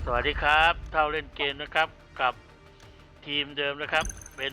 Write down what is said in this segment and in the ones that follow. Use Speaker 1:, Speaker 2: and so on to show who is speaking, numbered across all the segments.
Speaker 1: วัสดีครับเท่าเล่นเกมนะครับกับทีมเดิมนะครับเป็น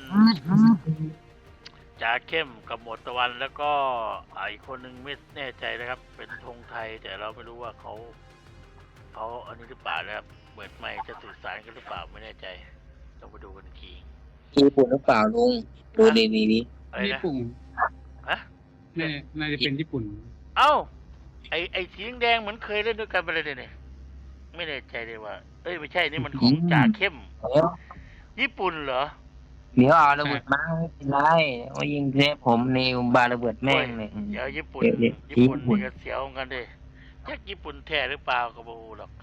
Speaker 1: จ่าเข้มกับหมวดตะวันแล้วก็อีกคนหนึ่งไม่แน่ใจนะครับเป็นธงไทยแต่เราไม่รู้ว่าเขาอันนี้หรือเปล่านะครับเปิดไมค์จะสื่อสารกันหรือเปล่าไม่แน่ใจต้องไปดูกันอีกที
Speaker 2: ญี่ปุ่นหรือเปล่าลุงดูดีนี้
Speaker 1: อะไรนะ
Speaker 3: ญี่ปุ่น
Speaker 1: ฮะ
Speaker 3: น่าจะเป็นญี่ปุ่น
Speaker 1: เอ้าไอสีแดงเหมือนเคยเล่นด้วยกันไปเลยเนี่ยไม่แน่ใจเลยว่าไม่ใช่นี่มันของจ่าเข้ม
Speaker 2: เดี๋ยว
Speaker 1: ญี่ปุ่นเหรอ
Speaker 2: เอาระเบิดมาไม่เป็นไรว่ายิงเซฟผมในบาระเบิดแม่งเลย
Speaker 1: เดี๋ยวญี่ปุ่น
Speaker 2: เดี๋ยว
Speaker 1: ญี่ปุ่นนี่ก็เสียวเหมือนกันดิจักญี่ปุ่นแท้หรือเปล่าก็บ่รู้หรอก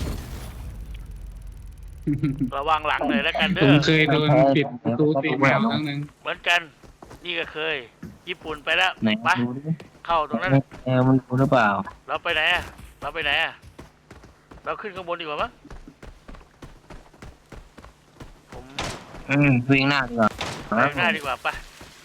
Speaker 1: ระวังหลังหน่อยแล้วกันเด้
Speaker 3: ผม
Speaker 1: อ
Speaker 3: เคยโดนปิดประตูตีแมวครั้งหนึ่ง
Speaker 1: เหมือนกันนี่ก็เคย ญี่ปุ่นไปแล้ว
Speaker 2: ไหน
Speaker 1: ไป
Speaker 2: ดูดิ
Speaker 1: เข้าตรงนั้น
Speaker 2: มันดูหรือเปล่า
Speaker 1: เราไปไหนอะเราไปไหนอะเราขึ้นข้างบนดีกว่ามั้งผม
Speaker 2: วิ่งหน้าดีกว่า
Speaker 1: ไปข้างหน้าดีกว่าไป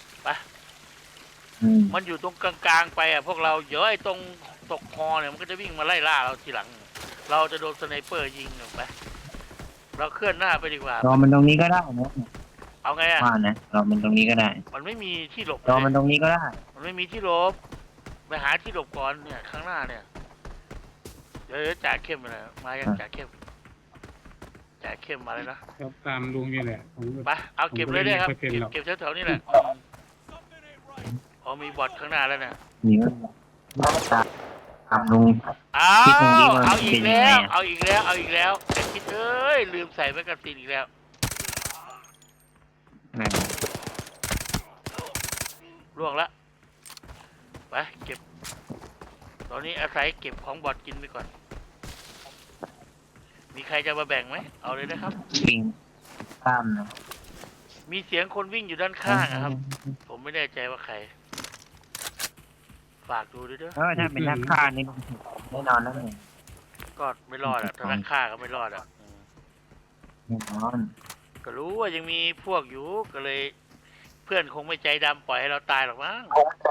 Speaker 1: มันอยู่ตรงกลางๆไปอะพวกเราเดี๋ยวไอ้ตรงตกคอเนี่ยมันก็จะวิ่งมาไล่ล่าเราทีหลัง เราจะโดนสไนเปอร์ยิงออกไปเราเคลื่อนหน้าไปดีกว่าร
Speaker 2: อมันตรงนี้ก็ได้นะ
Speaker 1: เอาไงอะ
Speaker 2: ว่านะรอมันตรงนี้ก็ได้
Speaker 1: มันไม่มีที่หลบ
Speaker 2: รอมันตรงนี้ก็ได้
Speaker 1: มันไม่มีที่หลบไปหาที่หลบก่อนเนี่ยข้างหน้าเนี่ยเดี๋ยวจ่าเข้มมายังจ่าเข้มมาเลยนะครับ
Speaker 3: ตามลุงนี่แหละผม
Speaker 1: ไปเอาเก็บเลยได้ครับ
Speaker 3: ผมก็ไม่ค่อยเป็นหรอก
Speaker 1: เก็บแถวๆนี้แหละมีบอทข้างหน้าแล้วเนี่ย
Speaker 2: นี่ก็ตามลุง
Speaker 1: เอา
Speaker 2: คิดตรงนี้มัน
Speaker 1: เอาอี
Speaker 2: เป็
Speaker 1: ก
Speaker 2: นยัง
Speaker 1: แล้
Speaker 2: ไง
Speaker 1: ว
Speaker 2: อะ
Speaker 1: ไอ้คิดลืมใส่แมกกาซีนอีกแล้วล่วงละไปเก็บตอนนี้อาศัยเก็บของบอทกินไปก่อนมีใครจะมาแบ่งไหมเอาเลยนะครับ
Speaker 2: วิ่งข้ามนะ
Speaker 1: มีเสียงคนวิ่งอยู่ด้านข้างนะครับ ผมไม่แน่ใจว่าใคร ฝากดูด้วยเด้อ
Speaker 2: ถ้าเป็นนักฆ่านี่ลุงแน่นอนนะเนี่ย
Speaker 1: ก็ไม่รอดอ่ะถ้านักฆ่าก็ไม่รอดอ่ะ
Speaker 2: แน่นอน
Speaker 1: ก็รู้ว่ายังมีพวกอยู่ก็เลย เพื่อนคงไม่ใจดำปล่อยให้เราตายหรอกมั้ง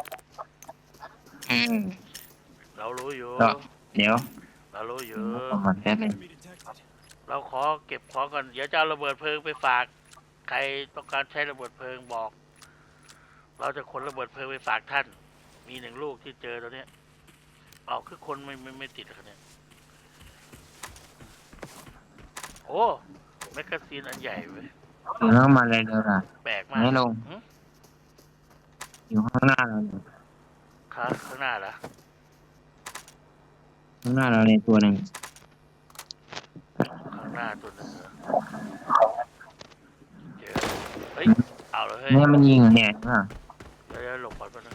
Speaker 1: เรารู้อยู่
Speaker 2: เดี๋ยว
Speaker 1: เรารู้อยู่
Speaker 2: ประมาณแป๊บนึง
Speaker 1: เราขอเก็บของก่อนเดี๋ยวจะเอาระเบิดเพลิงไปฝาก ใครต้องการใช้ระเบิดเพลิงบอก เราจะขนระเบิดเพลิงไปฝากท่าน มี1 ลูกที่เจอตัวเนี้ยคือคนไม่ติดกันเนี่ยโอ้แมกกาซีนอันใหญ่เว้ย
Speaker 2: อยู่ข้างมาเลยเดี๋ยวล่ะ
Speaker 1: แปลกมาก
Speaker 2: ไม่ลง
Speaker 1: หึ
Speaker 2: อยู่ข้างหน้าเราเนี่ย
Speaker 1: ข้างหน้าเหรอ
Speaker 2: ข้างหน้าเราในตัวหนึ่ง
Speaker 1: ข้างหน้าตัวหนึงเหรอเจอเฮ้ยเอาเลยเฮ้ย
Speaker 2: เนี่ยมันยิงเนี่ยอ่ะ
Speaker 1: เดี๋ยวหลบก่อนแป๊บนึง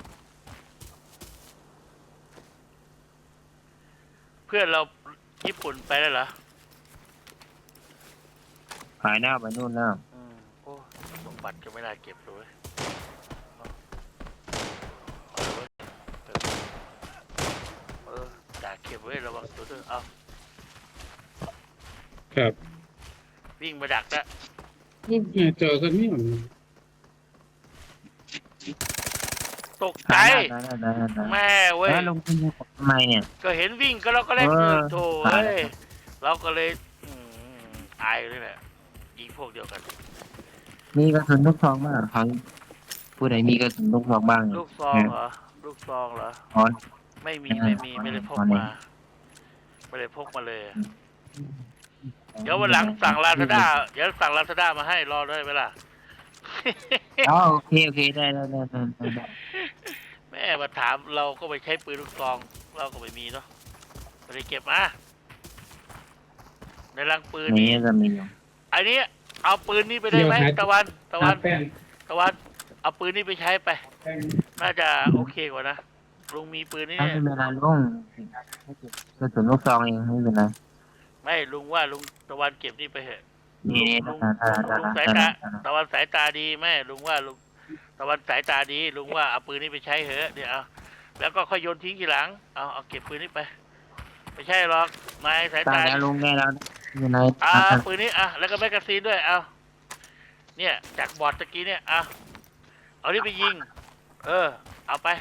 Speaker 1: เพื่อนเราญี่ปุ่นไปแล้วเหรอ
Speaker 2: ขายหน้าไปนู่นแล้ว
Speaker 1: โอ้สมบัติก็ไม่ได้เก็บเลยจ่าเก็บไว้ระวังตัวด้วยเอา
Speaker 3: ครับ
Speaker 1: วิ่งมาดักแล้ว
Speaker 3: เจอกันนี่เหมือน
Speaker 1: ตกใจ
Speaker 2: ได้
Speaker 1: แม่เว้ย
Speaker 2: แล้วลงทุนทำไมเนี่ย
Speaker 1: ก็เห็นวิ่งก็เราก็เล่นโถเว้ยเราก็เลยอายเลยแหละยิงพวกเดียวกัน
Speaker 2: มีกระสุนลูกซองบ้างเขาผู้ใดมีกระสุนลูกซองบ้าง
Speaker 1: ลูกซองเหรอ
Speaker 2: อ๋อ
Speaker 1: ไม่มี
Speaker 2: ไม่
Speaker 1: ไม่ได้พก
Speaker 2: อ๋อนี่
Speaker 1: มาไม่ได้พกมาเลย เดี๋ยววันหลังสั่งลาซาด้ามาให้รอได้ไหมล่ะ
Speaker 2: อ๋อโอเคได้
Speaker 1: แม่มาถามเราก็ไปใช้ปืนลูกซองเราก็ไม่มีเนาะไม่ได้เก็บมาในรังปืน
Speaker 2: นี่
Speaker 1: นี้
Speaker 2: จะมีอยู่
Speaker 1: อันนี้เอาปืนนี้ไปได้ไหมตะวัน
Speaker 3: แป้ง
Speaker 1: เอาปืนนี้ไปใช้ไป
Speaker 3: แป้ง
Speaker 1: น่าจะโอเคกว่านะลุงมีปืนนี้
Speaker 2: ไม่เป็นไรลุงกระสุนลูกซองเองไม่เป็นไร
Speaker 1: ไม่ลุงว่าลุงตะวันเก็บนี่ไปเถอะ
Speaker 2: นี่
Speaker 1: ลุงสายตาตะวันสายตาดีแม่ลุงว่าลุงตะวันสายตาดีลุงว่าเอาปืนนี้ไปใช้เถอะเดี๋ยวเอาแล้วก็ค่อยโยนทิ้งทีหลังเอาเก็บปืนนี้ไปไม่ใช่หรอกนายสาย
Speaker 2: ตา
Speaker 1: ตา
Speaker 2: แล้วลุงได้แล้วอยู่ใน
Speaker 1: ปืนนี้แล้วก็แมกกาซีนด้วยเนี่ยจากบอร์ดตะกี้เนี่ยเอานี่ไปยิงเอาไป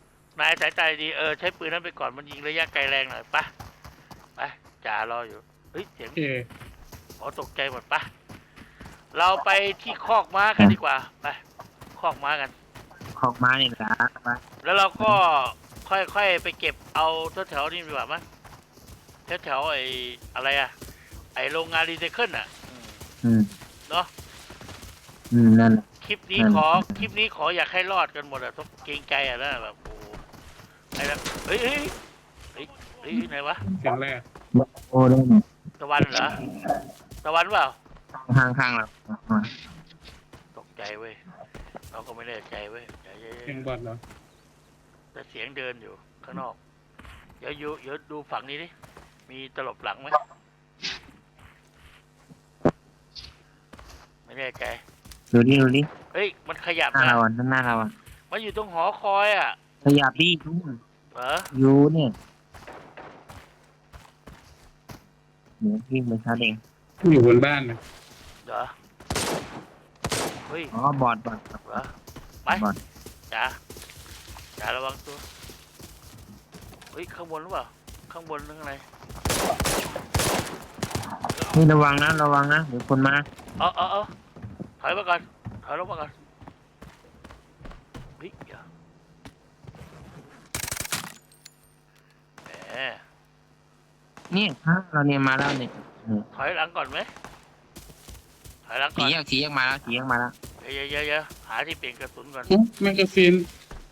Speaker 1: นายสายตาดีใช้ปืนนั้นไปก่อนมันยิงระยะไกลแรงหน่อยไปจ่ารออยู่เฮ้ยเสียง
Speaker 3: โอเค
Speaker 1: อ๋อตกใจหมดปะเราไปที่คอกม้ากันดีกว่าไปคอกม้ากัน
Speaker 2: ของมานี่ละมา
Speaker 1: แล้วเราก็ค่อยๆไปเก็บเอาแถวๆนี่ดีกว่ามั้งแถวๆไอ้อะไรอะไอ้โรงงานรีไซเคิลอะเนาะ
Speaker 2: นั่น
Speaker 1: คลิปนี้ขออยากให้รอดกันหมดอะต้องเกรงใจอะนะแบบโอ้ไอ้นั่นเฮ้ยไหนวะ
Speaker 3: เสียงแรก
Speaker 2: โอ้ได้
Speaker 1: ตะวันเหรอตะวันเปล่า
Speaker 2: ข้างเรา
Speaker 1: ตกใจเว้ยเราก็ไม่แน่ใจเว้ยเดี๋ยว
Speaker 3: เสียงบอดเหรอ
Speaker 1: แต่เสียงเดินอยู่ข้างนอกเดี๋ยวดูฝั่งนี้ดิมีตลบหลังไหมไม่แน่ใจ
Speaker 2: ดูดิ
Speaker 1: เฮ้ยมันขยับ
Speaker 2: หน้า
Speaker 1: นะ
Speaker 2: เราอ่ะหน้าเราอ่ะ
Speaker 1: มันอยู่ตรงหอคอยอ่ะ
Speaker 2: ขยับดิทุก
Speaker 1: เหรอ
Speaker 2: ยูเนี่ยเหมือนวิ่งไปชาร์จเอง
Speaker 3: อยู่บนบ้านนะ
Speaker 1: เหรอเฮ้ย
Speaker 2: อ๋อบอด
Speaker 1: เหรอไป
Speaker 2: บอด
Speaker 1: จ๋าระวังตัวเฮ้ยข้างบนหรือเปล่าข้างบนหรือข้างใน
Speaker 2: นี่ระวังนะเดี๋ยวคนมา
Speaker 1: เอาถอยมาก่อนถอยลงมาก่อนเฮ้ยเดี๋ยวแหม
Speaker 2: นี่ข้างเราเนี่ยมาแล้วเนี่ย
Speaker 1: ถอยหลังก่อนไหมถอยหลังก่
Speaker 2: สี
Speaker 1: อน
Speaker 2: แยกมาแล้ว
Speaker 1: เยอะหาที่เปลี่ยนกระสุนก่อน
Speaker 3: แมกกาซีน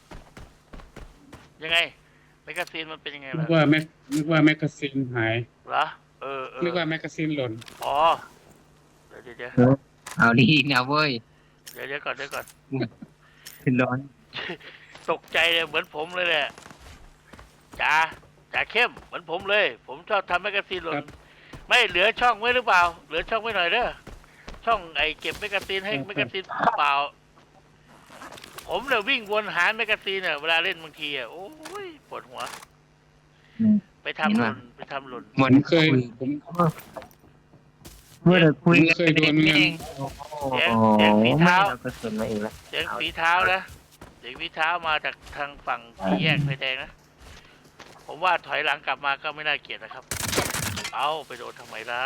Speaker 1: ยังไงแมกกาซีนมันเป็นยังไง
Speaker 3: นึ
Speaker 1: ล่ะ
Speaker 3: กว่าแมกกาซีนหาย
Speaker 1: เหรอ
Speaker 3: นึกว่าแมกกาซีนหล่น
Speaker 1: อ๋อเดี๋ยว
Speaker 2: เอาดีนะเว้ย
Speaker 1: เดี๋ยวก่อน
Speaker 2: ขึ้นร้อน
Speaker 1: ตกใจเลยเหมือนผมเลยแหละจ่าเข้มเหมือนผมเลย ผมชอบทำแมกกาซีนหล่นไม่เหลือช่องไว้หรือเปล่าเหลือช่องไว้หน่อยเด้อช่องไอ้เก็บแมกกาซีนให้แมกกาซีนเปล่าผมเนี่ยวิ่งวนหาแมกกาซีนเนี่ยเวลาเล่นบางทีอ่ะโอ้ยปวดหัวไปทำหล่น
Speaker 2: เหมือน
Speaker 3: เคยผม
Speaker 2: เมื่อเราคุย
Speaker 3: เคยโดนเหมือนกัน
Speaker 2: ไม่เรากระสุนมาเองแล้ว
Speaker 1: เสียงฝีเท้านะเสียงฝีเท้ามาจากทางฝั่งสี่แยกไฟแดงนะผมว่าถอยหลังกลับมาก็ไม่น่าเกลียดนะครับเอาไปโดนทำไมล่ะ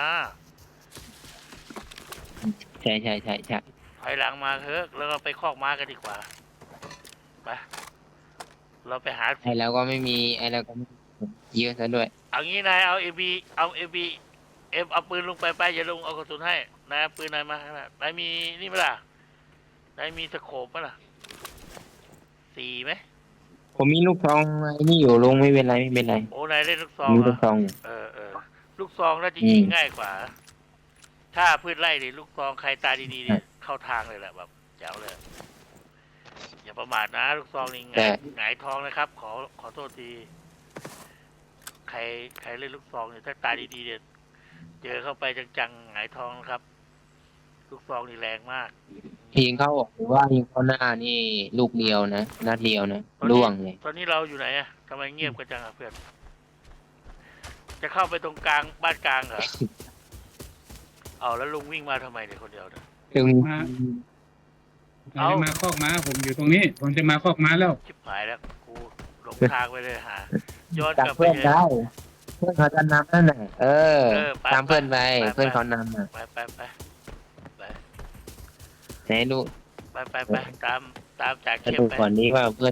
Speaker 2: ใช่
Speaker 1: ถอยหลังมาเถอะแล้วก็ไปคอกม้ากันดีกว่าไปเราไปหา
Speaker 2: ไอ้เราก็ไม่มีเยอะซะด้วย
Speaker 1: เอางี้นายเอาเอาปืนลงไปอย่าลงเอากระสุนให้นายเอาปืนนายมาข้างหน้านายมีนี่ไหมล่ะนายมีสโคปไหมล่ะ4ไหม
Speaker 2: ผมมีลูกซองไอ้นี่อยู่ลงไม่เป็นไร
Speaker 1: โอ้นายเล่นลูกซอง
Speaker 2: มี
Speaker 1: เหร
Speaker 2: ลู
Speaker 1: อก
Speaker 2: ซองอยู่
Speaker 1: ลูกซองน่าจะยิงง่ายกว่า ถ้าพืชไร่ดิลูกซองใครตาดีๆเนี่ยเข้าทางเลยแหละแบบแจ๋วเลยอย่าประมาทนะลูกซองนี่หงายท้องนะครับ ขอโทษทีใครเล่นลูกซองเนี่ยถ้าตาดีๆเนี่ยเจอเข้าไปจังๆหงายท้องนะครับ ลูกซองนี่แรงมาก
Speaker 2: ยิงเข้าออกหรือว่ายิงเข้าหน้านี่ลูกเดียวนะนัดเดียวนะล่วงเลย
Speaker 1: ตอนนี้เราอยู่ไหนอะทำไมเงียบกันจังอะเพื่อนจะเข้าไปตรงกลางบ้านกลางเหรอ เอาแล้วลุงวิ่งมาทำไมเนี่ยคนเดียวเนี่ย
Speaker 2: ถึง
Speaker 3: ผมจะมาคอกม้าผมอยู่ตรงนี้ ผมจะมาคอกม้าแล้ว
Speaker 1: ชิบหายแล้วกูหลงทางไปเลยหาย้อน
Speaker 2: ตาก
Speaker 1: ลับไป
Speaker 2: เพื่อน
Speaker 1: เลย
Speaker 2: ได้เพื่อนเขาจะนำนั่นน่ะ
Speaker 1: ไป
Speaker 2: ตามเพื่อนไป
Speaker 1: ไป
Speaker 2: เพื่อนเขานำอ่ะ
Speaker 1: ไป
Speaker 2: ไหนดู
Speaker 1: ตามจ่า
Speaker 2: จะ
Speaker 1: เข้ม
Speaker 2: ดู
Speaker 1: ไป
Speaker 2: ก่อนนี้ว่าเพื่อน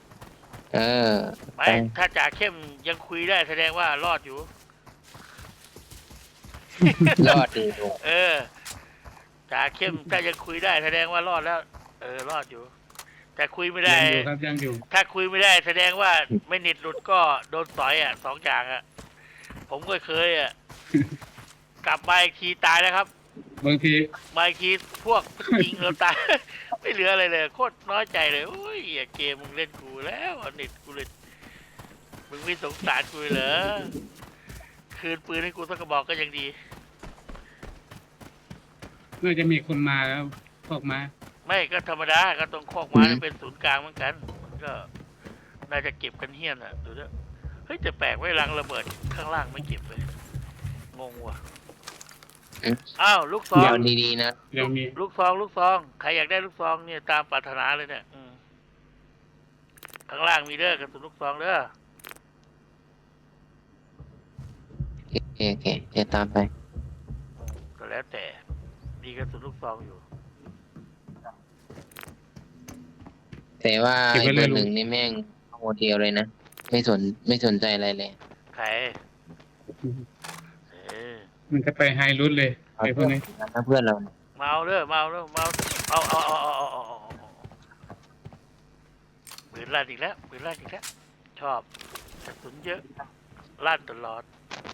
Speaker 1: ไม่ถ้าจ่าเข้มยังคุยได้แสดงว่ารอดอยู่
Speaker 2: รอดดีดู
Speaker 1: จ่าเข้มถ้ายังคุยได้แสดงว่ารอดแล้ว รอดอยู่ แต่คุยไม่ได้
Speaker 3: ยังอยู่ครับยังอยู่
Speaker 1: ถ้าคุยไม่ได้แสดงว่าไม่เน็ตหลุดก็โดนต่อยอ่ะ2 อย่างอ่ะ ผมก็เคยอ่ะ กลับมาอีกทีตายแล้วครับ
Speaker 3: บางที
Speaker 1: มาอีกทีพวกยิงเราตาย ไม่เหลืออะไรเลยโคตรน้อยใจเลยโอ้ยอย่าเกมมึงเล่นกูแล้วเน็ตกูเลยมึงไม่สงสารกูเหรอคืนปืนให้กูสักกระบอกก็ยังดี
Speaker 3: น่าจะมีคนมาแล้วคอกม้า
Speaker 1: ไม่ก็ธรรมดาก็ต้องคอกม้าเป็นศูนย์กลางเหมือนกันมันก็น่าจะเก็บกันเฮี้ยนอ่ะดูด้วยเฮ้ยแต่แปลกไว้รังระเบิดข้างล่างไม่เก็บเลยงงว่ะอ้าวลูกซอง
Speaker 2: ยาวดีๆนะ
Speaker 3: ยังมี
Speaker 1: ลูกซองใครอยากได้ลูกซองเนี่ยตามปรารถนาเลยเนี่ยข้างล่างมีเด้อกระสุนลูกซองเด้อ
Speaker 2: โอเคจะตามไป
Speaker 1: มีกระสุนลูกซองอยู่
Speaker 2: แต่ว่า
Speaker 3: เก็บ
Speaker 2: ไอ้
Speaker 3: ไว้
Speaker 2: เบ
Speaker 3: เล
Speaker 2: อย ร์
Speaker 3: ลุง
Speaker 2: 1นี่แม่งโมเดลเลยนะไม่สนใจอะไรเลย
Speaker 1: ใครเออ
Speaker 3: มันจะไปไฮรูทเลยไอ้พวกนี้
Speaker 2: ถ้าเพื่อนเรา
Speaker 1: เมาเด้อเมาเด้อเมาเอาปืนลั่นอีกแล้วปืนลั่นอีกแล้วชอบกระสุนเยอะลั่นตลอด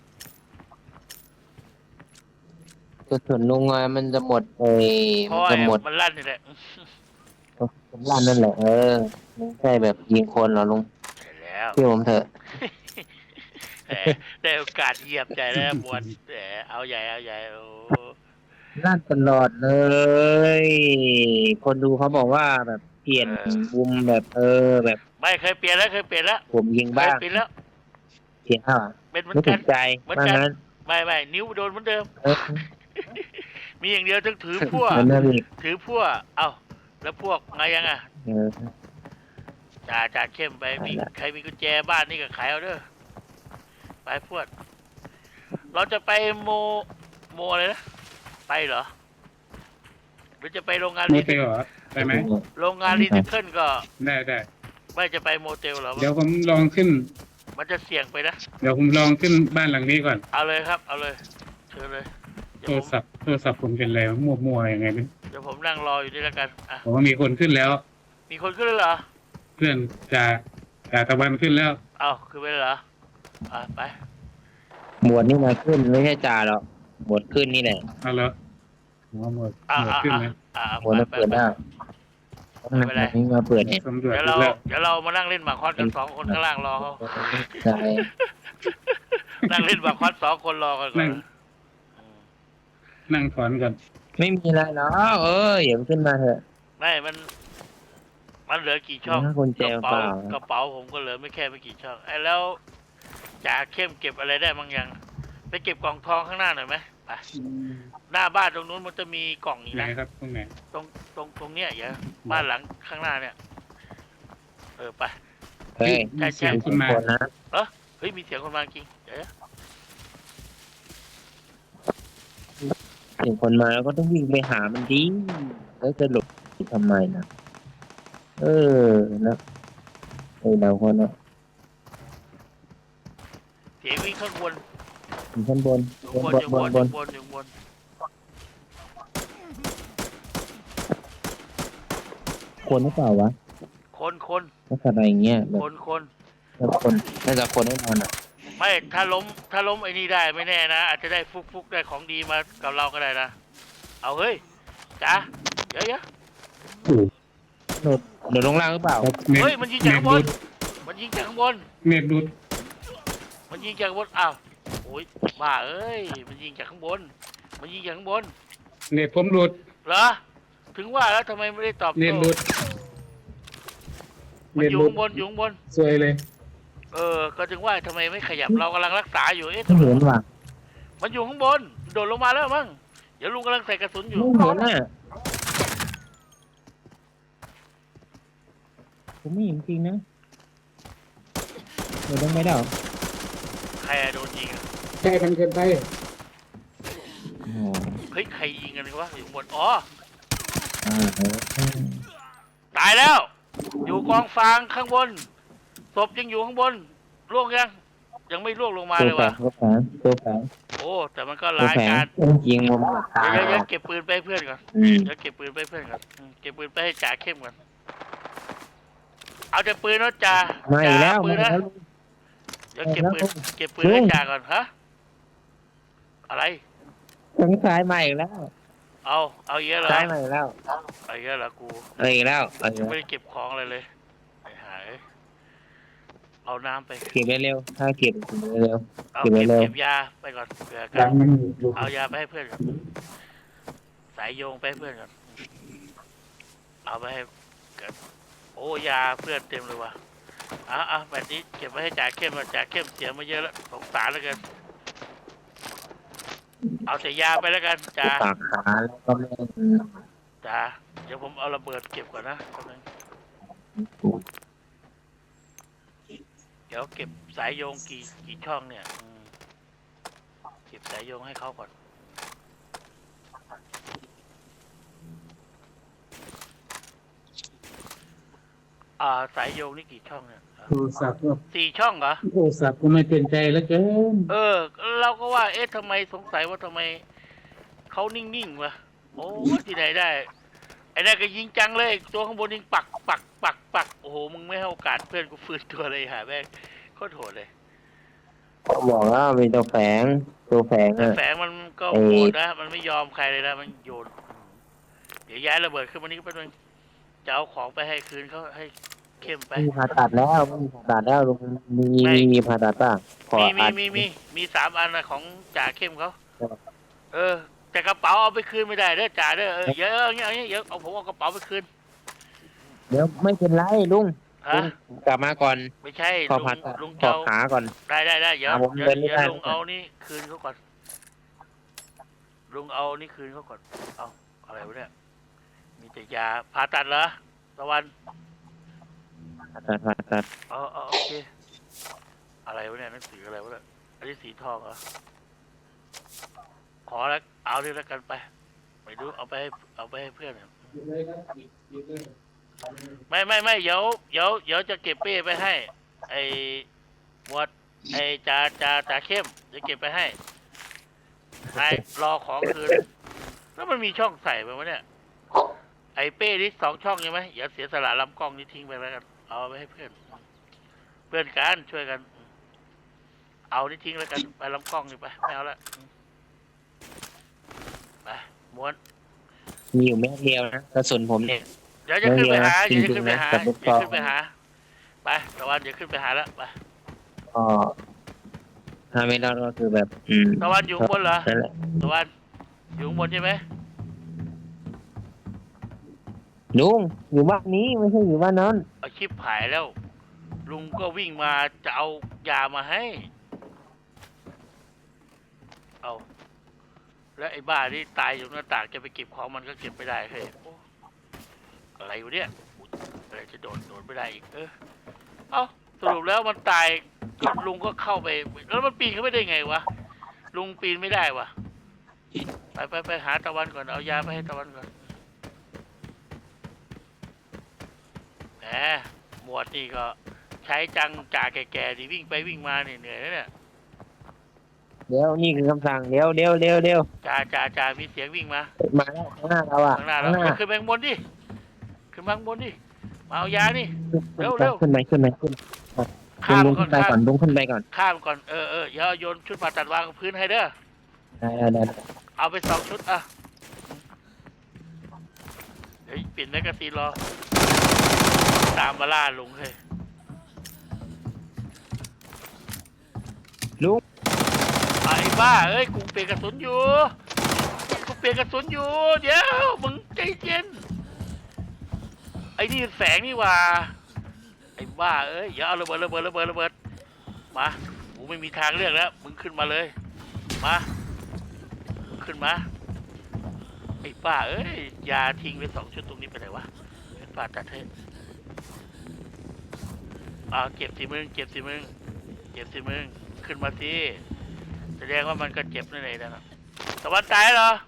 Speaker 2: กระสุนลุงอะมันจะหมด
Speaker 1: เพราะ
Speaker 2: มันจะหมด
Speaker 1: มันลั่นนี่แหละ
Speaker 2: ผมลั่นนั่นแหละไม่ใช่แบบยิงคนหรอลุง
Speaker 1: ใช่แล้ว
Speaker 2: เชื่อผมเถอะ
Speaker 1: แหมได้โอกาสเหยียบใจแล้วบวนแหมเอาใหญ่โอ้
Speaker 2: ลั่นตลอดเลย คนดูเขาบอกว่าแบบเปลี่ยนมุมแบบแบบ
Speaker 1: ไม่เคยเปลี่ยนแล้ว
Speaker 2: ผมยิง
Speaker 1: เค
Speaker 2: บ้าย ง
Speaker 1: เปลี่ยนแล้ว
Speaker 2: เปลี่ยนเท่า
Speaker 1: เป็นเหมือ
Speaker 2: ไม่
Speaker 1: น
Speaker 2: ถู
Speaker 1: กัน
Speaker 2: กใจ
Speaker 1: เหมือน
Speaker 2: ว่า
Speaker 1: กัน
Speaker 2: งั้น
Speaker 1: ไม่นิ้วโดนเหมือนเดิม
Speaker 2: เออ
Speaker 1: มีอย่างเดียวต้องถือพั่ว
Speaker 2: เหมือนเดิมอีก
Speaker 1: ถือพั่วเอ้าแล้วพวกไงยังอ่ะ
Speaker 2: เออ
Speaker 1: จ่าเข้มไปมี
Speaker 2: นั่นแหละ
Speaker 1: ใครมีกุญแจบ้านนี่ก็ขายเอาเด้อไปพวด เราจะไปโมอะไรนะไปเหรอหรือจะไปโรงงาน
Speaker 3: โม
Speaker 1: รี
Speaker 3: เตลเหรอได้ไหม
Speaker 1: โรงงานรีไซเคิลก็
Speaker 3: ได้
Speaker 1: ไม่จะไปโมเตลเหรอ
Speaker 3: เดี๋ยวผมลองขึ้น
Speaker 1: มันจะเสี่ยงไปนะ
Speaker 3: เดี๋ยวผมลองขึ้นบ้านหลังนี้ก่อน
Speaker 1: เอาเลยครับ เอาเลยเชิญเลย
Speaker 3: โทรศัพท์ผมเป็นอะไรมั่วๆยังไงไม่
Speaker 1: เดี๋ยวผมนั่งรออยู่นี่แล้วกันอ่ะ
Speaker 3: ผมว่ามีคนขึ้นแล้ว
Speaker 1: มีคนขึ้นเลยเหรอ
Speaker 3: เพื่อนจ่าตะวันขึ้นแล้ว
Speaker 1: เอาขึ้นไปเลยเหรอไป
Speaker 2: หมวดนี่มาขึ้นไม่ใช่จ่าหรอกหมวดขึ้นนี่แหละ
Speaker 3: เอาแล้วผมว่าหมดขึ้นเลย
Speaker 2: หมวดมาเปิดได้ต้องนำนี้มาเปิดเนี่ย
Speaker 3: สำรวจ
Speaker 1: เดี๋ยว
Speaker 3: ดู
Speaker 1: เรา
Speaker 3: แล้ว
Speaker 1: เดี๋ยวเรามานั่งเล่นหมากคอสกัน2 คนข้างล่างรอเขา
Speaker 2: ใช่
Speaker 1: นั่งเล่นหมากคอส2 คนรอกันก่อน
Speaker 3: นั่งถอนก่อน
Speaker 2: ไม่มีอะไรหรอกอย่าขึ้นมาเถอะ
Speaker 1: ไม่มันเหลือกี่ช่อง
Speaker 2: ถ้าคนแจ
Speaker 1: กระ
Speaker 2: วเป
Speaker 1: เป๋า
Speaker 2: ล่าก
Speaker 1: ระเป๋าผมก็เหลือไม่กี่ช่องไอ้แล้วจ่าเข้มเก็บอะไรได้บางอย่างไปเก็บกล่องทองข้างหน้าหน่อยไหมไปหน้าบ้านตรงนู้นมันจะมีกล่องอีก
Speaker 3: ไหน
Speaker 1: นะครับ
Speaker 3: ตรงไหน
Speaker 1: ตรงเนี้ยอย่าบ้านหลังข้างหน้าเนี่ยไป
Speaker 2: เฮ้ย
Speaker 1: ใช่
Speaker 2: คนนะ
Speaker 1: เฮ้ยมีเสียงคนมาจริงเดี๋ยว
Speaker 2: ถึงคนมาแล้วก็ต้องวิ่งไปหามันดิแล้วจะหลบทำไมนะนะเราคนนะ
Speaker 1: เสียงวิ่งข้างบน
Speaker 2: อยู่ข้างบน
Speaker 1: อยู่บน
Speaker 2: คนหรือเปล่าวะ
Speaker 1: คน
Speaker 2: ลักษณะอย่างเงี้ยแบบ
Speaker 1: คน
Speaker 2: แล้วคนน่าจะคนแน่นอนอ่ะ
Speaker 1: ไม่ถ้าล้มไอ้นี่ได้ไม่แน่นะอาจจะได้ฟุกได้ของดีมากับเราก็ได้นะเอาเฮ้ยจ๋าเดี๋ยว
Speaker 2: โดดลงล่างหรือเปล่า
Speaker 1: เฮ้ยมันยิงจากข้างบนมันยิงจากข้างบน
Speaker 3: เน็ตดูด
Speaker 1: อ้าวโอ้ยบ้าเอ้ยมันยิงจากข้างบน
Speaker 3: เน็ตผมดูด
Speaker 1: เหรอถึงว่าแล้วทำไมไม่ได้ตอบ
Speaker 3: เน็ต
Speaker 1: โต้
Speaker 3: ดูด
Speaker 1: มันอยู่ข้างบน
Speaker 3: สวยเลย
Speaker 1: ก็ถึงว่าทำไมไม่ขยับเรากำลังรักษาอยู่
Speaker 2: ไม่
Speaker 1: เอ๊ะทำไม
Speaker 2: เห็นว่ะ
Speaker 1: มันอยู่ข้างบนโดดลงมาแล้วมั้งเดี๋ยวลุงกำลังใส่กระสุนอยู่
Speaker 2: ไม่เห็นน่ะผมไม่เห็นจริงนะเดี๋ยวต้องไม่ได้หรอ
Speaker 1: ใครอะโดนยิงอะ
Speaker 3: ใช่กันเกินไป
Speaker 1: เฮ้ยใครยิงกันวะอยู่ข้างบนอ๋อ
Speaker 2: อ่า
Speaker 1: ตายแล้ว อยู่กองฟางข้างบนศพยังอยู่ข้างบนล่วงยังไม่ล่วงลงมาเลยว่ะ
Speaker 2: ตัวแฝง
Speaker 1: โอ้แต่มันก็ร้ายการ
Speaker 2: ยิงผมตาย
Speaker 1: เดี๋ยวเก็บปืนไปให้เพื่อนก่อน
Speaker 2: อืม
Speaker 1: เก็บปืนไปให้จ่าเข้มก่อนเอาแต่ปืนแล้วจ่า
Speaker 2: มาอีกแล้ว
Speaker 1: ปื
Speaker 2: มาน อีก
Speaker 1: นะ
Speaker 2: แล้ว
Speaker 1: เดี๋ยวเก็บปืนให้จ่าก่อนฮะอะไร
Speaker 2: ทางซ้ายมาอีกแล้ว
Speaker 1: เอาเยอะเหรอ
Speaker 2: ซ้ายมาอีกแล้ว
Speaker 1: เอาเยอะเหรอกู
Speaker 2: อีกแล้ว
Speaker 1: ยังไม่ได้เก็บของอะไรเลยไอ้หายเอาน้ำไป
Speaker 2: เก็บเร็วถ้าเก็บเร็ว
Speaker 1: เอา
Speaker 2: เก็บไว้เร็ว
Speaker 1: เก็บยาไปก่อนเผื่อกั
Speaker 3: ดั
Speaker 1: น
Speaker 3: งมันอยู่
Speaker 1: เอายาไปให้เพื่อนก่อนสายโยงไปให้เพื่อนก่อนเอาไปให้กันโอ้ยาเพื่อนเต็มเลยว่ะแบบนี้เก็บไว้ให้จ่าเข้มก่อนจ่าเข้มเสียมาเยอะแล้วสงสารแล้วกันเอาแต่ยาไปแล้วกันจ่า
Speaker 2: ปากขาแล้วก็ไม่
Speaker 1: จ่าเดี๋ยวผมเอาระเบิดเก็บก่อนนะแป๊บนึงเดี๋ยวเก็บสายโยงกี่ช่องเนี่ยเก็บสายโยงให้เขาก่อนสายโยงนี่กี่ช่องเนี่ย
Speaker 3: โทรศัพท์ก็
Speaker 1: 4 ช่องเหรอ
Speaker 3: โทรศัพท์ก็ไม่เป็นใจแล้วเกิน
Speaker 1: เราก็ว่าทำไมสงสัยว่าทำไมเขานิ่งๆวะโอ้ที่ไหนได้ไอ้นั่นก็ยิงจังเลยตัวข้างบนยิงปักปักปักปักโอ้โหมึงไม่ให้โอกาสเพื่อนกูฟื้นตัวเลยหาแม่งโคตรโหดเลย
Speaker 2: บอกว่ามีตัวแฝงตัวแฝง
Speaker 1: แต่
Speaker 2: อ่ะ
Speaker 1: แฝงมันก็
Speaker 2: ไอ้
Speaker 1: โหดนะมันไม่ยอมใครเลยนะมันโยนเดี๋ยวย้ายระเบิดขึ้นมานี่ก็เป็นจะเอาของไปให้คืนเขาให้เข้มไป
Speaker 2: มีผ่าตัดแล้วมีผ่าตัดแล้วลุงมีผ่าตัดป่ะขอ
Speaker 1: มี
Speaker 2: อัด
Speaker 1: มี3 อันนะของจ่าเข้มเขาแต่กระเป๋าเอาไปคืนไม่ได้เด้อจ่าเด้อเยอะเงี้ยเดี๋ยวเอาผมเอากระเป๋าไปคืน
Speaker 2: เดี๋ยวไม่เป็นไรลุง
Speaker 1: ฮะ
Speaker 2: กลับมาก่อน
Speaker 1: ไม่ใช่
Speaker 2: ขอผ่าตัด
Speaker 1: ลุง
Speaker 2: ขอ
Speaker 1: เจ้า
Speaker 2: ขาก่อน
Speaker 1: ได้เดี๋ยว
Speaker 2: ผม
Speaker 1: เดี๋ยว
Speaker 2: เดินไม่
Speaker 1: เดี๋ยว
Speaker 2: ได้
Speaker 1: ลุงเอานี่คืนเขาก่อนลุงเอานี่คืนเขาก่อนเอาอะไรวะเนี่ยมีแต่ยาผ่าตัดเหรอตะวัน
Speaker 2: ผ่าตัด
Speaker 1: โอเคอะไรวะเนี่ยหนังสืออะไรวะเนี่ยอันนี้สีทองเหรอขอแล้วเอาเลยแล้วกันไปไม่รู้เอาไปให้เพื่อนเนี่ยไม่เดี๋ยวจะเก็บเป้ไปให้ ไอ้หมวดไอ้จ่าเข้มจะเก็บไปให้นายรอของคืนแล้วมันมีช่องใส่ไปวะเนี่ยไอ้เป้นี่2 ช่องใช่ไหมอย่าเสียสละลำกล้องนี่ทิ้งไปแล้วกันเอาไปให้เพื่อนกันช่วยกัน เอานี่ทิ้งแล้วกันไปลำกล้องนี่ไปไม่เอาละไปม้วน
Speaker 2: มีอยู่แม่เดียวนะกระสุนผมเนี่ย
Speaker 1: เดี๋ยวจะขึ้นไปหา
Speaker 2: จริงๆ
Speaker 1: ขึ้นไปหา
Speaker 2: นะกับลูก
Speaker 1: เดี๋ยว
Speaker 2: ซอง
Speaker 1: ขึ้นไปหาไปตะวันเดี๋ยวขึ้นไปหาแล้วไป
Speaker 2: ก็ถ้าไม่รอดก็คือแบบ
Speaker 1: ตะวันอยู่ข้างบนเหรอ
Speaker 2: นั่นแหละ
Speaker 1: ตะวันอยู่ข้างบนใช่ไหม
Speaker 2: ลุงอยู่บ้านนี้ไม่ใช่อยู่บ้านนั้น
Speaker 1: เอาชิปหายแล้ว ลุงก็วิ่งมาจะเอายามาให้เอาแล้วไอ้บ้าที่ตายอยู่หน้าต่างจะไปเก็บของมันก็เก็บไม่ได้เฮ้ยโอ้อะไรอยู่เนี่ยอะไรจะโดนไม่ได้อีกเอาสรุปแล้วมันตายลุงก็เข้าไปแล้วมันปีนเข้าไปได้ไงวะลุงปีนไม่ได้วะไปหาตะวันก่อนเอายาไปให้ตะวันก่อนแหมหมวดนี่ก็ใช้จังจ่าแก่ๆดิวิ่งไปวิ่งมาเนี่ยเหนื่อยนะเนี่ย
Speaker 2: เดี๋ยวนี่คือคำสั่งเดี๋ยว
Speaker 1: จ่ามีเสียงวิ่งมา
Speaker 2: มาแล้วข้างหน้าเราอ่ะ
Speaker 1: ข้างหน้าเราขึ้นไปข้างบนดิขึ้นมาข้างบนดิมาเอายานี่ เร็ว
Speaker 2: ขึ้นไป
Speaker 1: ข้าม
Speaker 2: ลุง
Speaker 1: ก่
Speaker 2: ขึ้
Speaker 1: อน
Speaker 2: นไปก่อนลุงขึ้นไปก่อน
Speaker 1: ข้ามก่อนเดี๋ยวโยนชุดผ่าตัดวางกับพื้นให้เด้อ
Speaker 2: ได้
Speaker 1: เอาไป2 ชุดอ่ะเดี๋ยวเปลี่ยนแมกกาซีนรอตามมาล่าลุงเฮ้ย
Speaker 2: ลุง
Speaker 1: ไอ้บ้าเอ้ยกูเปลี่ยนกระสุนอยู่เดี๋ยวมึงใจเย็นไอ้นี่แสงนี่ว่าไอ้บ้าเอ้ยอย่าเอาระเบิดมากูไม่มีทางเลือกแล้วมึงขึ้นมาเลยมาขึ้นมาไอ้บ้าเอ้ยยาทิ้งไป2 ชุดตรงนี้ไปไหนวะเป็นป่าตัดให้เก็บสิมึงขึ้นมาสิแสดงว่ามันก็เจ็บนั่นเองนะตะวันตายเหรอ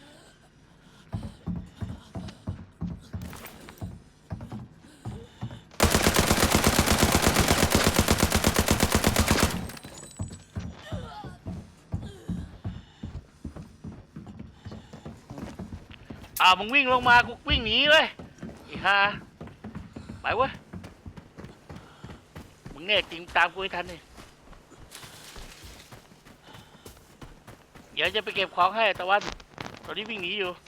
Speaker 1: มึงวิ่งลงมากูวิ่งหนีเลยอีห่าไปเว้ยมึงเนี่ยจริงตามกูให้ทันเลยเดี๋ยวจะไปเก็บของให้ตะวันตอนนี้วิ่งหนีอยู่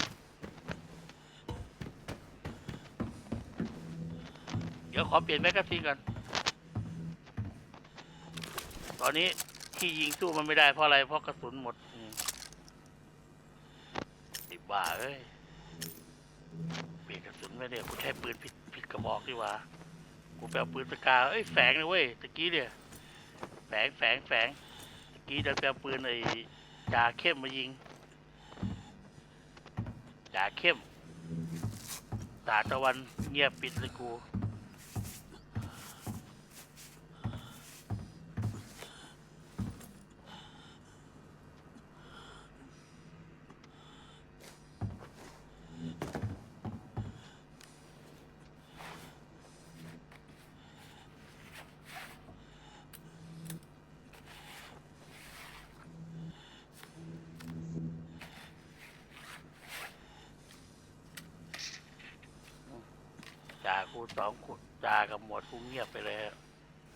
Speaker 1: เดี๋ยวขอเปลี่ยนแมกกาซีนก่อนตอนนี้ที่ยิงสู้มันไม่ได้เพราะอะไรเพราะกระสุนหมดไอ้บ้าเอ้ยเปลี่ยนกระสุนไม่ได้กูใช้ปืนผิดกระบอกดีกว่ากูไปเอาปืนสกาแฝงเลยเว้ยตะกี้เนี่ยแฝงตะกี้เดินไปเอาปืนไอ้จ่าเข้มมายิงจ่าเข้มตาตะวันเงียบปิดเลยกูคูณสองคูณจากับหมวดกูเงียบไปเลยฮะ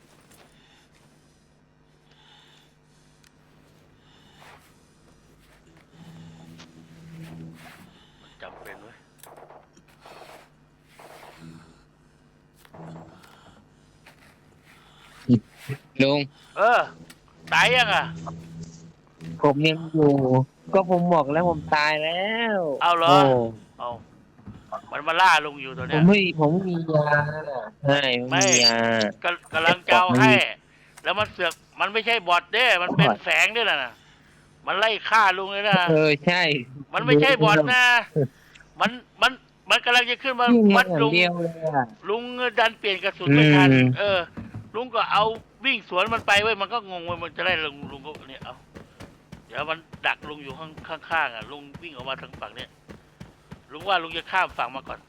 Speaker 1: มันจำเป็นเว้ย
Speaker 2: ลุง
Speaker 1: ตายยังอ่ะ
Speaker 2: ผมยังอยู่ ก็ผมบอกแล้วผมตายแล้ว
Speaker 1: เอาเหรอ
Speaker 2: โ
Speaker 1: เอามันมาล่าลุงอยู่ตัว
Speaker 2: ผ
Speaker 1: เนี้
Speaker 2: ม
Speaker 1: ย
Speaker 2: ไม่มียาใช่ผมมียา
Speaker 1: กำลังจะเอาให้ แล้วมันเสือกมันไม่ใช่บอทเด้ มันเป็นแฝงด้วยนะมันไล่ฆ่าลุงเลยนะ
Speaker 2: ใช่
Speaker 1: มันไม่ใช่บอทนะ มันมันมันกำลังจะขึ้นมา
Speaker 2: ยิง
Speaker 1: มั
Speaker 2: มั
Speaker 1: ด
Speaker 2: นอย่า
Speaker 1: ลุ
Speaker 2: ง
Speaker 1: ง
Speaker 2: เดียวเลยอะ
Speaker 1: ลุงดันเปลี่ยนกระสุนไม่ทัน
Speaker 2: อืม
Speaker 1: ลุงก็เอาวิ่งสวนมันไปเว้ย มันก็งงเว้ย มันจะได้ลุงก็เนี่ยเอาเดี๋ยวมันดักลุงอยู่ข้างๆอ่ะ ลุงวิ่งออกมาทางฝั่งเนี้ยลุงว่าลุงจะข้ามฝั่งมาก่อน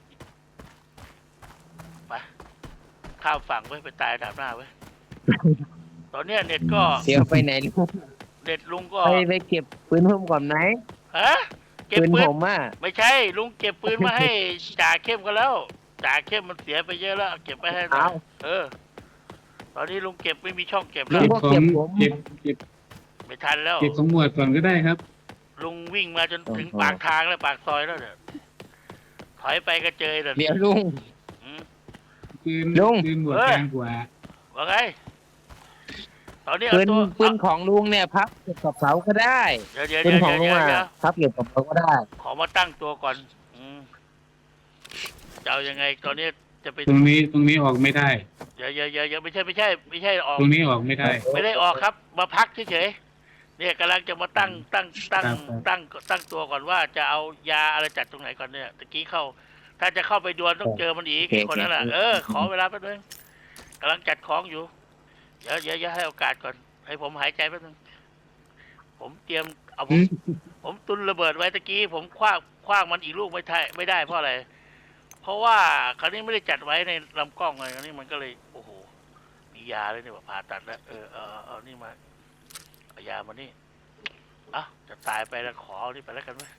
Speaker 1: ไป ข้ามฝั่งไว้ยไปตายดาบหน้าไว้ย ตอนเนี้ยเน็ตก็
Speaker 2: เดี๋ยวไปไหนลุง
Speaker 1: เน็ตลุงก็
Speaker 2: ไปเก็บปืนผมก่อนไหม
Speaker 1: ฮะเก็บ
Speaker 2: ปืน
Speaker 1: ปื
Speaker 2: ผ
Speaker 1: น
Speaker 2: มอ่ะ
Speaker 1: ไม่ใช่ ลุงเก็บปืนมาให้ จ่าเข้มกันแล้ว จ่าเข้มมันเสียไปเยอะแล้วเอาเก็บไปให้หน่อยตอนนี้ลุงเก็บไม่มีช่องเก็บแล้ว
Speaker 2: ลุงก็
Speaker 3: ของ
Speaker 2: เก็บผม
Speaker 3: เก็บ
Speaker 1: ไม่ทันแล้ว
Speaker 3: เก็บของหมวดก่อนก็ได้ครับ
Speaker 1: ลุงวิ่งมาจนถึงปากทางแล้วปากซอยแล้วเนี่ยถอยไปก็เจอเลย
Speaker 2: เดี๋ยวลุง
Speaker 3: ปืน
Speaker 2: ลุง
Speaker 3: ปืนหมวดกลางกว่า
Speaker 1: ว่าไงตอนนี้
Speaker 2: ปื
Speaker 1: เอา
Speaker 2: น
Speaker 1: ตัว
Speaker 2: ปืนของลุงเนี่ยพับเก็บกับเสาก็ได้
Speaker 1: เดี๋ยว
Speaker 2: ปืนของลุง
Speaker 1: เดี๋ยว
Speaker 2: อ่ะพับเก็บกับเสาก็ได้
Speaker 1: ขอมาตั้งตัวก่อนจะเอายังไงตอนนี้จะไป
Speaker 3: ตรงนี้ออกไม่ได้
Speaker 1: เดี๋ยวไม่ใช่ออก
Speaker 3: ตรงนี้ออกไม่ได้
Speaker 1: ไม่ได้ออกครับ มาพักเฉยๆเนี่ยกำลังจะมาตั้ง
Speaker 3: ครับ
Speaker 1: ตั้งตัวก่อนว่าจะเอายาอะไรจัดตรงไหนก่อนเนี่ยตะกี้เข้า ถ้าจะเข้าไปดวลต้องเจอมันอีก
Speaker 2: โอเค
Speaker 1: คนนั้นแหละ
Speaker 2: โอเค
Speaker 1: ขอเวลาแป๊บนึงกำลังจัดของอยู่เดี๋ยวให้โอกาสก่อน ให้ผมหายใจแป๊บนึงผมเตรียมเอาผมตุนระเบิดไว้ตะกี้ผมคว้างมันอีกลูกไม่ได้เพราะอะไร เพราะว่าคราวนี้ไม่ได้จัดไว้ในลำกล้องเลยคราวนี้มันก็เลยโอ้โหมียาเลยนี่ว่าผ่าตัดแล้วเอานี่มาเอายามานี่จะตายไปแล้วขอเอานี่ไปแล้วกันไหม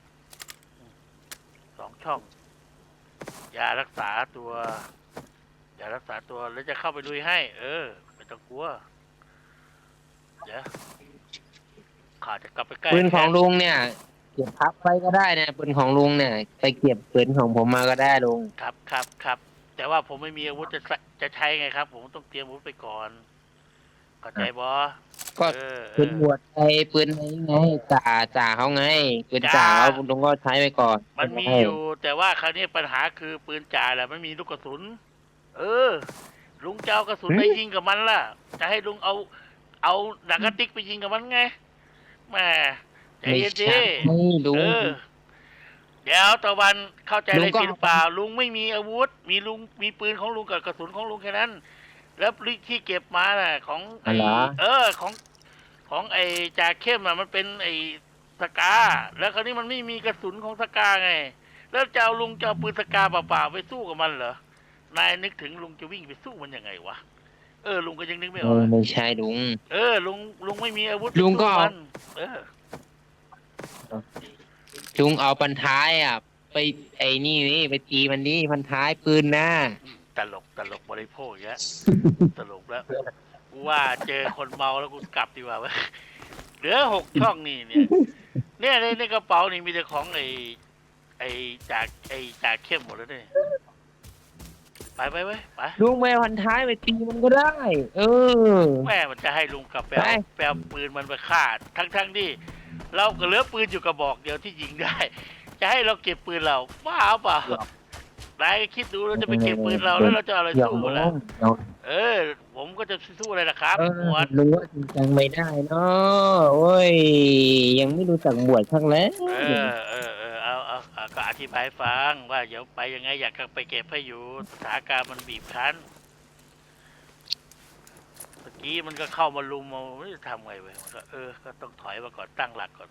Speaker 1: 2 ช่อง ยารักษาตัวยารักษาตัวแล้วจะเข้าไปลุยให้ ไม่ต้องกลัวเดี๋ยวข้าจะกลับไปใกล้
Speaker 2: ปืนของลุงเนี่ยเก็บพับไปก็ได้นะปืนของลุงเนี่ย ไปเก็บปืนของผมมาก็ได้ลุง
Speaker 1: ครับแต่ว่าผมไม่มีอาวุธจะใช้ไงครับ ผมต้องเตรียมอาวุธไปก่อนเข้าใจบอ
Speaker 2: ก็ปืนบวชไอ้ปืนไอ้ไงจ่าเขาไงปืนจ่าเขาลุงก็ใช้ไปก่อน
Speaker 1: มันมีอยู่แต่ว่าคราวนี้ปัญหาคือปืนจ่าแหละไม่มีลูกกระสุน ลุงจะเอากระสุนไปยิงกับมันล่ะ จะให้ลุงเอาหนังกระติกไปยิงกับมันไงแหม่ใจ
Speaker 2: ไม่
Speaker 1: เย็น
Speaker 2: ใช่
Speaker 1: ดิ
Speaker 2: ลุง
Speaker 1: เดี๋ยวตะวันเข้าใจ
Speaker 2: ลุ
Speaker 1: อะไร
Speaker 2: งก็
Speaker 1: ผิดหรือเปล่า ลุงไม่มีอาวุธ มีปืนของลุงกับกระสุนของลุงแค่นั้น แล้วที่เก็บมาน่ะ ของไอ้ของไอ้จ่าเข้มอ่ะมันเป็นไอ้สกา แล้วคราวนี้มันไม่มีกระสุนของสกาไง แล้วจะเอาลุงจะเอาปืนสกาเปล่าๆไปสู้กับมันเหรอนายนึกถึงลุงจะวิ่งไปสู้มันยังไงวะลุงก็ยังนึกไม่ออก
Speaker 2: ไม่ใช่ลุง
Speaker 1: ลุงไม่มีอาวุธ
Speaker 2: ลุงก็
Speaker 1: สู้มัน
Speaker 2: ลุงเอาพันท้ายอ่ะ ไปไอ้นี่ไปตีมันนี่พันท้ายปืนนะ
Speaker 1: ตลกบริโภคอย่างเงี้ย ตลกแล้วกูว่าเจอคนเมาแล้วกูกลับดีกว่าเว้ยเหลือ6 ช่องนี่เนี่ยในกระเป๋านี่มีแต่ของไอ้จากเข้มหมดแล้วเนี่ยไปเว้ยไป
Speaker 2: ลุงไปพันท้ายไปตีมันก็ได้
Speaker 1: แม่มันจะให้ลุงกลับไป
Speaker 2: ไป
Speaker 1: เอาปืนมันไปฆ่าทั้งที่เราก็เหลือปืนอยู่กระบอกเดียวที่ยิงได้ จะให้เราเก็บปืนเราบ้าเปล่านายคิดดูเราจะไปเก็บปืนเราแล้วเราจะเอาอะไร
Speaker 2: หยอก
Speaker 1: สู้
Speaker 2: ลุ
Speaker 1: ล่ะ
Speaker 2: ง
Speaker 1: ผมก็จะสู้อะไรล่ะครับหมวด
Speaker 2: รู้ว่าจริงจังไม่ได้เนาะโอ้ย ยังไม่รู้จักบวชข้างแล้ว
Speaker 1: เอาก็อธิบายให้ฟังว่าเดี๋ยวไปยังไงอยากไปเก็บให้อยู่สถานการณ์มันบีบคั้นเมื่อกี้มันก็เข้ามาลุมมาไม่รู้จะทำไงเว้ยมันก็ก็ต้องถอยมาก่อนตั้งหลักก่อน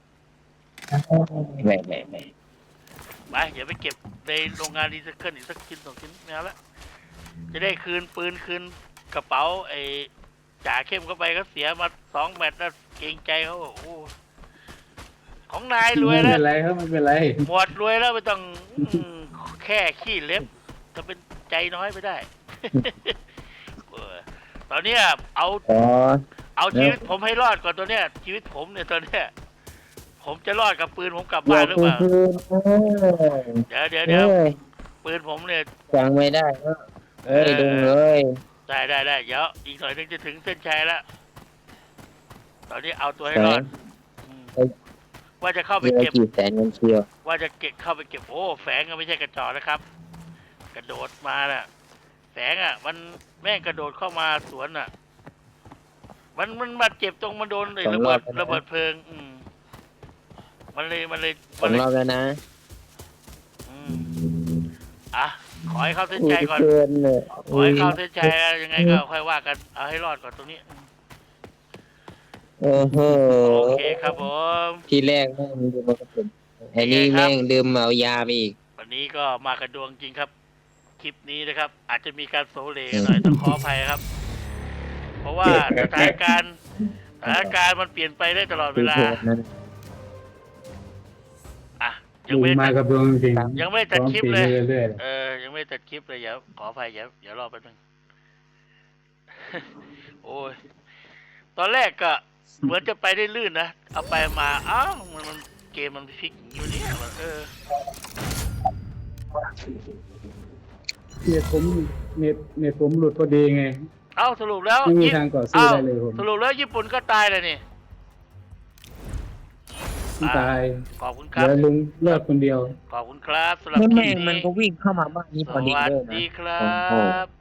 Speaker 2: ไม่
Speaker 1: ไปอย่าไปเก็บในโรงงานรีไซเคิลอีกสักชิ้น2 ชิ้นไม่เอาละจะได้คืนปืนคืนกระเป๋าไอ้จ่าเข้มเข้าไปก็เสียมา2 แมตช์แล้วเกรงใจเขาโอ้โหของนายรวย
Speaker 3: ไม่
Speaker 1: แล้ว
Speaker 3: เป็นไรครับไม่เป็นไร
Speaker 1: หมวดรวยแล้วไม่ต้องแค่ขี้เล็บจะเป็นใจใจน้อยไปได้ เออตอนเนี้ยเอา
Speaker 2: อ๋อ
Speaker 1: เอาชีวิตผมให้รอดก่อนตัวเนี้ยชีวิตผมเนี่ยตอนเนี้ยผมจะรอดกับปืนผมกลับ
Speaker 2: เดี๋
Speaker 1: บ้าย
Speaker 2: วน
Speaker 1: หรือเปล่า
Speaker 2: คืน
Speaker 1: เดี๋ยว
Speaker 2: เอ้ย
Speaker 1: ปืนผมเนี่ย
Speaker 2: ฟังไม่ได้ก็เอ้ยดุงเลย
Speaker 1: ได้เดี๋ยวอีกหน่อยนึงจะถึงเส้นชัยแล้วตอนนี้เอาตัวให้รอดว่าจะเข้าไป
Speaker 2: เยอะ
Speaker 1: เก็บ
Speaker 2: กี่แสนเงินเชียว
Speaker 1: ว่าจะเข้าไปเก็บโอ้แฝงก็ไม่ใช่กระจอกนะครับ กระโดดมาน่ะแฝงอ่ะ มันแม่งกระโดดเข้ามาสวนอ่ะ มันมาเจ็บตรงมันโดนไอ้ระเบิดเพลิง มันเลย
Speaker 2: สองรอบแล้วนะ
Speaker 1: อ่ะขอให้เข้าเส้นชัยก่อน
Speaker 2: เกินเลย
Speaker 1: ขอให้เข้าเส้นชัยแล้วยังไงก็ค่อยว่ากันเอาให้รอดก่อนตรงนี้
Speaker 2: โอ้โห
Speaker 1: โอเคครับผม
Speaker 2: ทีแรกแม่งดื่มมากระสุนอันนี้แม่งดื่มเมายาไปอีก
Speaker 1: วันนี้ก็มากระดวงจริงครับ คลิปนี้นะครับ อาจจะมีการโซเลหน่อยต้องขออภัยครับ เพราะว่าสถานการณ์มันเปลี่ยนไปได้ตลอดเวลาอ่ะยังไม่
Speaker 3: มา
Speaker 1: ตัด
Speaker 3: กับดวงจริง
Speaker 1: ยังไม่ตัดคลิปเลย
Speaker 3: เรื่อย
Speaker 1: ยังไม่ตัดคลิปเลยขออภัยเดี๋ยวรอแป๊บนึง โอ้ยตอนแรกก็เหมือนจะไปได้ลื่นนะเอาไปมาอ้าวมันเกมมันพลิกอยู่เนี่ยมัน
Speaker 3: เน็ตผมเน็ตผมหลุดพอดีไง
Speaker 1: เอ้าสรุปแล้ว
Speaker 3: ไม่มีทางต่อสู้ได้เลยผม
Speaker 1: สรุปแล้วญี่ปุ่นก็ตายเลยนี่
Speaker 3: ตาย
Speaker 1: ขอบคุณค
Speaker 3: เห
Speaker 1: รับ
Speaker 3: ลือลุงเลิกคนเดียว
Speaker 1: ขอบคุณครับสำหรับ
Speaker 2: นี่
Speaker 1: คลิ
Speaker 2: แม่
Speaker 1: ป
Speaker 2: งมัน
Speaker 1: นี้
Speaker 2: ก็วิ่งเข้ามาบ้านนี้
Speaker 1: ส
Speaker 2: พอดี
Speaker 1: วัส
Speaker 2: เลย
Speaker 1: ดี
Speaker 2: นะ
Speaker 1: ครั
Speaker 2: โอ้โห
Speaker 1: บ